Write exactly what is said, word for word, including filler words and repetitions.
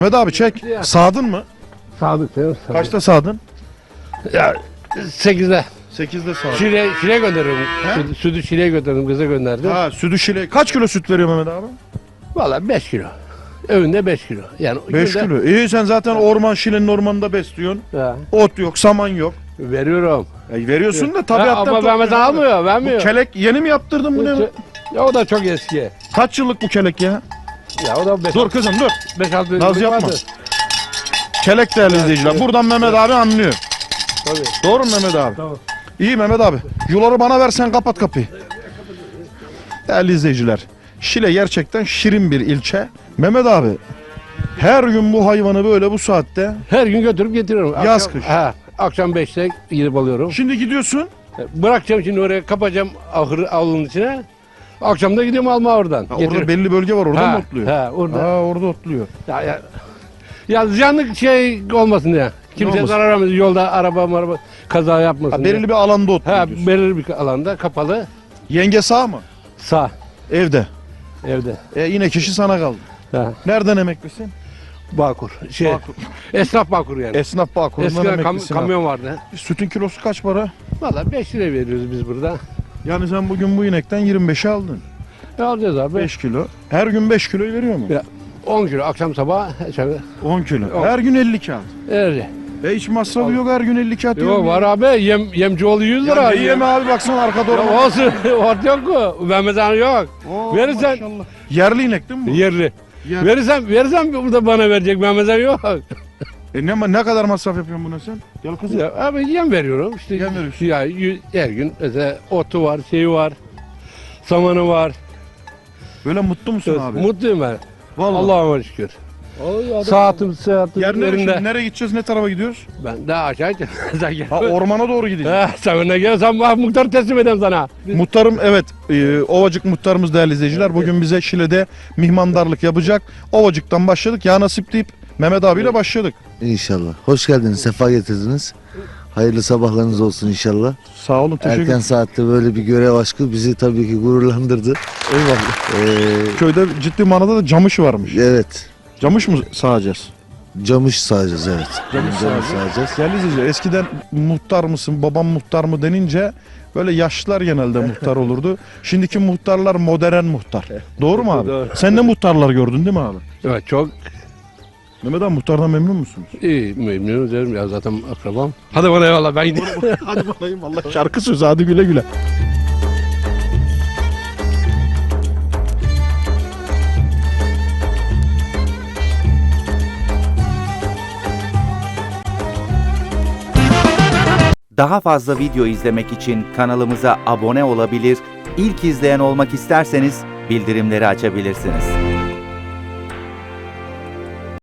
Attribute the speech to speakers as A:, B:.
A: Mehmet abi çek. Sağdın mı?
B: Sadık diyor. Sadık.
A: Kaçta sağdın?
B: Ya sekizde.
A: sekizde sağdın.
B: Şile, Şile gönderiyorum.
A: He?
B: Sütü, sütü Şile'ye götürdüm. Kıza gönderdim.
A: Ha sütü şile. Kaç kilo süt veriyor Mehmet abi?
B: Valla beş kilo. Öğünde beş kilo. Yani
A: beş
B: günde-
A: kilo. İyi sen zaten orman şilenin ormanında besliyorsun.
B: Ha,
A: Ot yok, saman yok.
B: veriyorum.
A: E, veriyorsun da
B: Ha,
A: tabiattan
B: ama Mehmet
A: topluyorsun abi.
B: almıyor.
A: Bu
B: Vermiyor.
A: kelek yeni mi yaptırdın bu ne?
B: Ya o da çok eski.
A: Kaç yıllık bu kelek ya?
B: Ya o da beş,
A: Dur kızım dur.
B: beş altı
A: Naz
B: yıllık
A: yapma.
B: vardır.
A: Kelek değerli izleyiciler.
B: evet.
A: Buradan Mehmet abi anlıyor.
B: Tabii.
A: Doğru mu Mehmet abi?
B: Tamam.
A: İyi Mehmet abi. Yuları bana versen kapat kapıyı. Değerli izleyiciler. Şile gerçekten şirin bir ilçe. Mehmet abi her gün bu hayvanı böyle bu saatte.
B: Her gün götürüp getiriyorum.
A: Yaz,
B: Akşam-
A: kış.
B: Ha, akşam beşte gidip alıyorum.
A: Şimdi gidiyorsun.
B: Bırakacağım şimdi oraya, kapacağım ahırı avlunun içine. Akşam da gidiyorum alma oradan.
A: Ha, orada belli bölge var orada
B: ha,
A: mı otluyor?
B: Ha, orada.
A: Ha, orada otluyor.
B: Ya, ya, ya ziyanlık şey olmasın ya. Kimse
A: olmasın?
B: zarar vermesin. Yolda araba araba kaza yapmasın.
A: Ha,
B: diye.
A: belirli bir alanda otluyor
B: Ha,
A: diyorsun.
B: belirli bir alanda kapalı.
A: Yenge sağ mı?
B: Sağ
A: Evde.
B: evde.
A: E yine kişi sana kaldı.
B: Ha,
A: Nereden emeklisin?
B: Bağkur. Şey,
A: Bağkur.
B: esnaf Bağkur yani.
A: Esnaf Bağkur'undan
B: Eskiden kam-
A: emeklisin. abi.
B: kamyon vardı.
A: Sütün kilosu kaç para?
B: Valla beş lira veriyoruz biz burada.
A: Yani sen bugün bu inekten yirmi beşe aldın.
B: Ne alacağız abi?
A: beş kilo. Her gün beş kiloyu veriyor mu?
B: Ya, on kilo akşam sabah. Şöyle,
A: on kilo.
B: On.
A: Her gün elli kağıt.
B: öyle.
A: E hiç masrafı yok her gün elli kağıt.
B: Yok var abi. Yem, yemci oğlu yüz lira.
A: Ya ne yeme abi baksana arka doğru.
B: Ya olsun. Ort yok mu? Vermeden yok.
A: Oo,
B: Verirsen-
A: maşallah. Yerli inek değil mi bu?
B: Yerli.
A: Yer-
B: Verirsem, verirsem burada bana verecek. Vermeden yok.
A: E ne, ne kadar masraf yapıyorsun buna sen? Gel kızım.
B: Ya abi yem veriyorum. İşte
A: Yem veriyorsun.
B: Ya yü- her gün mesela otu var, şeyi var. Samanı var.
A: Böyle mutlu musun abi?
B: Mutluyum ben.
A: Vallahi.
B: Allah'ıma şükür. Saatim saatim
A: Yer nereye,
B: yerinde.
A: şimdi nereye gideceğiz? Ne tarafa gidiyoruz?
B: Ben daha aşağı sen gel.
A: Ha ormana doğru gideceğiz.
B: Ha, sen ne gel, sen bak muhtarı teslim edeyim sana.
A: Muhtarım evet e, Ovacık muhtarımız değerli izleyiciler bugün bize Şile'de mihmandarlık yapacak. Ovacık'tan başladık ya nasip deyip Mehmet abiyle başladık.
C: İnşallah. Hoş geldiniz, sefa getirdiniz. Hayırlı sabahlarınız olsun inşallah.
A: Sağ olun teşekkür
C: Erken
A: ederim.
C: saatte böyle bir görev aşkı bizi tabii ki gururlandırdı.
A: Eyvallah.
C: Ee,
A: Köyde ciddi manada da camış varmış.
C: evet,
A: Camış mı sağacağız?
C: camış sağacağız evet.
A: Camış
C: Camış
A: sağacağız.
C: sağacağız.
A: Değerli izleyiciler eskiden muhtar mısın babam muhtar mı denince böyle yaşlılar genelde muhtar olurdu. Şimdiki muhtarlar modern muhtar. Doğru mu abi?
B: Doğru.
A: Sen de muhtarlar gördün değil mi abi?
B: Evet çok
A: Mehmet abi muhtardan memnun musunuz?
B: iyi, memnun ederim ya, zaten akrabam. Hadi bana eyvallah, ben gideyim.
A: Hadi bakayım Allah şarkı sözü hadi güle güle.
D: Daha fazla video izlemek için kanalımıza abone olabilir, ilk izleyen olmak isterseniz bildirimleri açabilirsiniz.